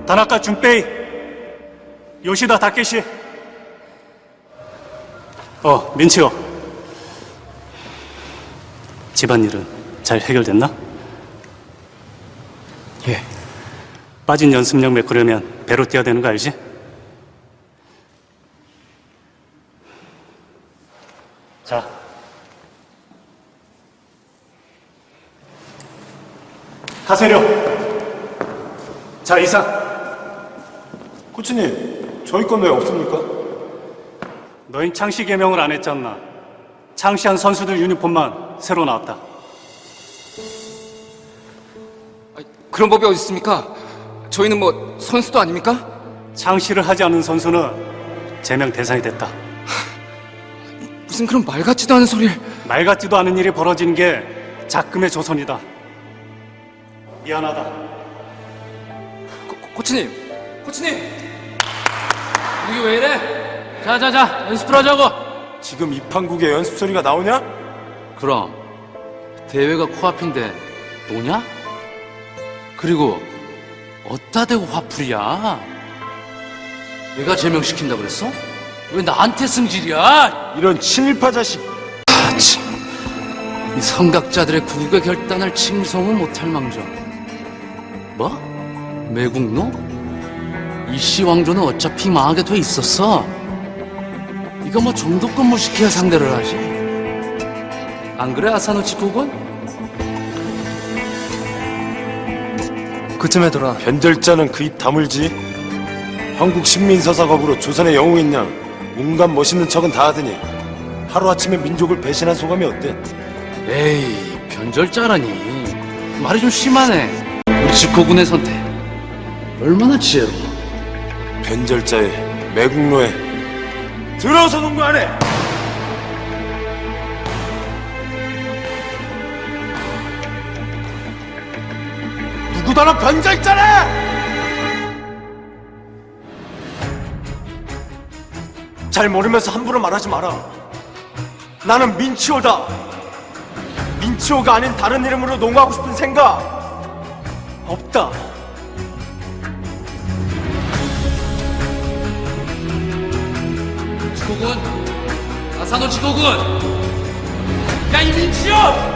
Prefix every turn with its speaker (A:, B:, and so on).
A: 다나카 준페이, 요시다 다케시. 민치오. 집안일은 잘 해결됐나?
B: 예.
A: 빠진 연습력 메꾸려면 배로 뛰어야 되는 거 알지? 자. 가세려. 자, 이상.
C: 코치님, 저희 건 왜 없습니까?
A: 너흰 창시 개명을 안 했잖아. 창시한 선수들 유니폼만 새로 나왔다.
B: 그런 법이 어디 있습니까? 저희는 뭐 선수도 아닙니까?
A: 창시를 하지 않은 선수는 제명 대상이 됐다.
B: 무슨 그런 말 같지도 않은 소리를.
A: 말 같지도 않은 일이 벌어지는 게 작금의 조선이다. 미안하다.
B: 코치님!
D: 이게 왜 이래? 자자자, 연습을 하자고.
C: 지금 입한국에 연습 소리가 나오냐?
D: 그럼 대회가 코앞인데 노냐? 그리고 어디다 대고 화풀이야? 내가 제명시킨다 그랬어? 왜 나한테 승질이야?
C: 이런 친일파 자식.
D: 이 성각자들의 국의 결단을 칭송은 못할 망정. 뭐? 매국노? 이씨 왕조는 어차피 망하게 돼 있었어. 이거 뭐 정도껏 무식해야 상대를 하지. 안 그래, 아사노치국은?
B: 그쯤에 돌아.
C: 변절자는 그 입 다물지. 한국 신민서사겁으로 조선의 영웅인 양 온갖 멋있는 척은 다 하더니 하루아침에 민족을 배신한 소감이 어때?
D: 에이, 변절자라니. 말이 좀 심하네. 우리 집고군의 선택 얼마나 지혜로워.
C: 변절자의 매국노에 들어서 농구 안 해! 누구더러 변절자래! 잘 모르면서 함부로 말하지 마라. 나는 민치오다. 민치오가 아닌 다른 이름으로 농구하고 싶은 생각 없다.
D: 지고군, 아사노 지고군. 야, 이 민치요!